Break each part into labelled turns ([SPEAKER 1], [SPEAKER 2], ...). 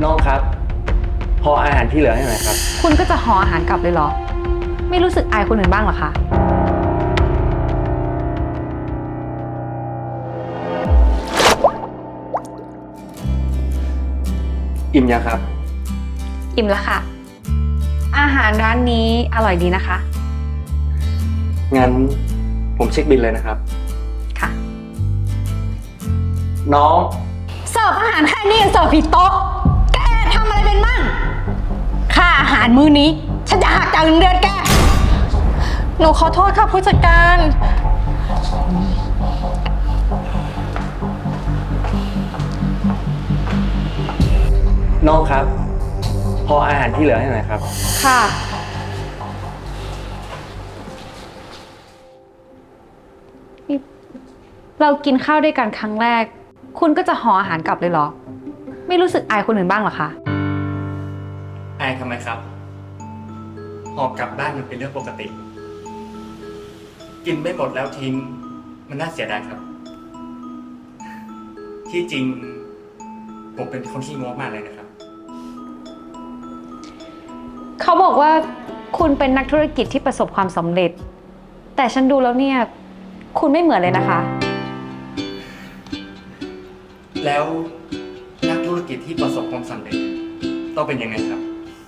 [SPEAKER 1] น้องครับพออาหารที่เหลือให้หน่อยครับ
[SPEAKER 2] คุณก็จะห่ออาหารกลับเลยเหรอ ไม่รู้สึกอายคนอื่นบ้างเหรอคะ
[SPEAKER 1] อิ่มยังครับ
[SPEAKER 2] อิ่มแล้วค่ะ อาหารร้านนี้อร่อยดีนะคะ
[SPEAKER 1] งั้นผมเช็คบิลเลยนะครับ
[SPEAKER 2] ค่ะ
[SPEAKER 1] น้อง
[SPEAKER 2] เสิร์ฟอาหารแค่นี้ยังเสิร์ฟผิดโต๊ะ แกทำอะไรเป็นมั่ง ค่าอาหารมื้อนี้ ฉันจะหักจากเงินเดือนแก
[SPEAKER 3] หนูขอโทษค่ะผู้จัดการ
[SPEAKER 1] น้องครับพออาหารที่เหลือให้หน่อยครับ
[SPEAKER 2] ค่ะ เรากินข้าวด้วยกันครั้งแรก คุณก็จะห่ออาหารกลับเลยเหรอ ไม่รู้สึกอายคนอื่นบ้างเหรอคะ
[SPEAKER 1] อายทำไมครับหอบกลับบ้านมันเป็นเรื่องปกติ กินไม่หมดแล้วทิ้งมันน่าเสียดายครับ ที่จริงผมเป็นคนขี้งกมากเลยนะครับ
[SPEAKER 2] เขาบอกว่าคุณเป็นนักธุรกิจที่ประสบความสำเร็จ แต่ฉันดูแล้วเนี่ย คุณไม่เหมือนเลยนะคะ
[SPEAKER 1] แล้วนักธุรกิจที่ประสบความสำเร็จต้องเป็นยังไงครับ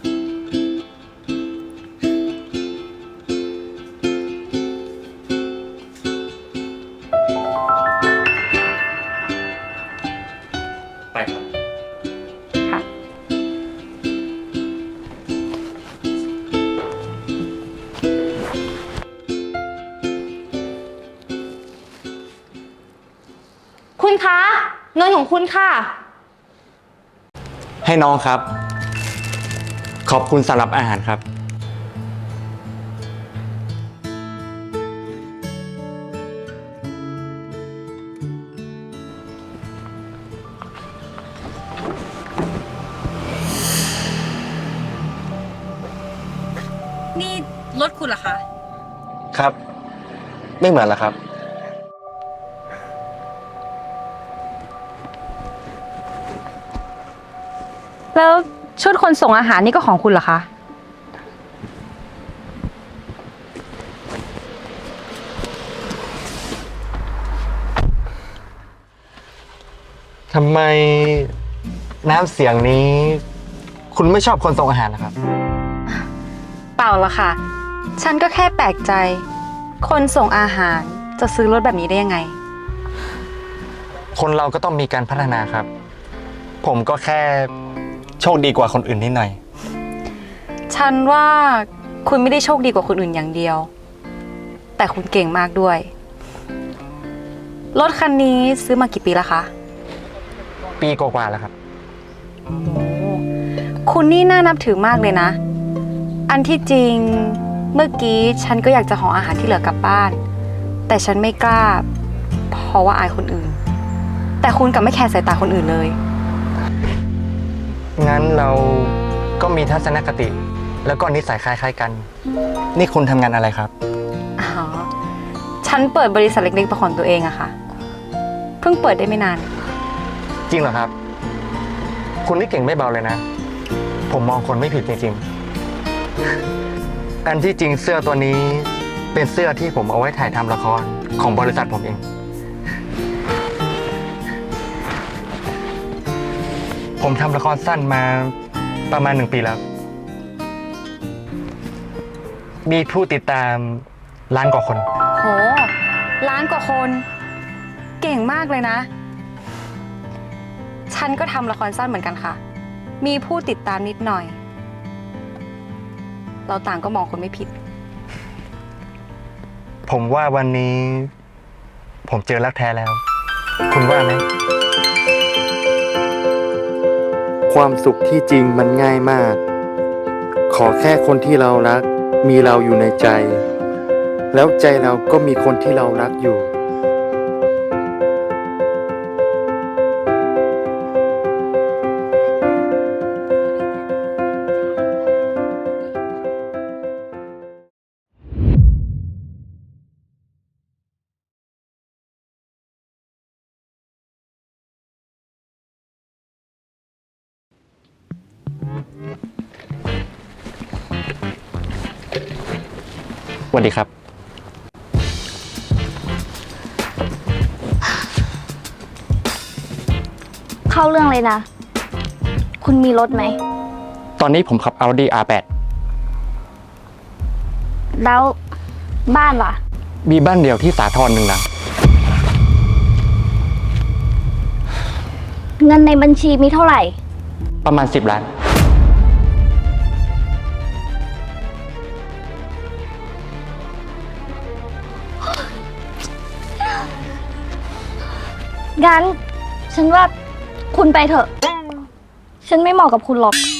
[SPEAKER 1] ไปครับ
[SPEAKER 2] ค่ะ
[SPEAKER 3] คุณคะ เงินของคุณค่ะ
[SPEAKER 1] ให้น้องครับ ขอบคุณสำหรับอาหารครับ
[SPEAKER 2] นี่รถคุณเหรอคะ
[SPEAKER 1] ครับ ไม่เหมือนละครับ
[SPEAKER 2] แล้วชุดคนส่งอาหารนี่ก็ของคุณเหรอคะ
[SPEAKER 1] ทำไมน้ำเสียงนี้ คุณไม่ชอบคนส่งอาหารนะครับ
[SPEAKER 2] เปล่าละค่ะ ฉันก็แค่แปลกใจ คนส่งอาหารจะซื้อรถแบบนี้ได้ยังไง
[SPEAKER 1] คนเราก็ต้องมีการพัฒนาครับ ผมก็แค่โชคดีกว่าคนอื่นนิดหน่อย
[SPEAKER 2] ฉันว่าคุณไม่ได้โชคดีกว่าคนอื่นอย่างเดียว แต่คุณเก่งมากด้วย รถคันนี้ซื้อมากี่ปีแล้วคะ
[SPEAKER 1] ปีกว่าๆแล้วครับ
[SPEAKER 2] คุณนี่น่านับถือมากเลยนะ อันที่จริงเมื่อกี้ฉันก็อยากจะห่ออาหารที่เหลือกลับบ้าน แต่ฉันไม่กล้า เพราะว่าอายคนอื่น แต่คุณกลับไม่แคร์สายตาคนอื่นเลย
[SPEAKER 1] งั้นเราก็มีทัศนคติ แล้วก็นิสัยคล้ายๆกัน นี่คุณทำงานอะไรครับ
[SPEAKER 2] อ๋อ ฉันเปิดบริษัทเล็กๆเป็นของตัวเองอะค่ะ เพิ่งเปิดได้ไม่นาน
[SPEAKER 1] จริงเหรอครับ คุณนี่เก่งไม่เบาเลยนะ ผมมองคนไม่ผิดจริงๆ อันที่จริงเสื้อตัวนี้เป็นเสื้อที่ผมเอาไว้ถ่ายทำละครของบริษัทผมเอง ผมทำละครสั้นมาประมาณ1 ปีแล้ว มีผู้ติดตามล้านกว่าคน
[SPEAKER 2] โห ล้านกว่าคน เก่งมากเลยนะ ฉันก็ทำละครสั้นเหมือนกันค่ะ มีผู้ติดตามนิดหน่อย เราต่างก็มองคนไม่ผิด
[SPEAKER 1] ผมว่าวันนี้ ผมเจอรักแท้แล้ว คุณว่าไหม ความสุขที่จริงมันง่ายมาก ขอแค่คนที่เรารัก มีเราอยู่ในใจ แล้วใจเราก็มีคนที่เรารักอยู่
[SPEAKER 4] สวัสดีครับ
[SPEAKER 5] เข้าเรื่องเลยนะ คุณมีรถไหม
[SPEAKER 4] ตอนนี้ผมขับ Audi R8
[SPEAKER 5] แล้วบ้านล่ะ
[SPEAKER 4] มีบ้านเดียวที่สาทรหนึ่งหลัง
[SPEAKER 5] เงินในบัญชีมีเท่าไหร่
[SPEAKER 4] ประมาณ10 ล้าน
[SPEAKER 5] งั้น ฉันว่าคุณไปเถอะ ฉันไม่เหมาะกับคุณหรอก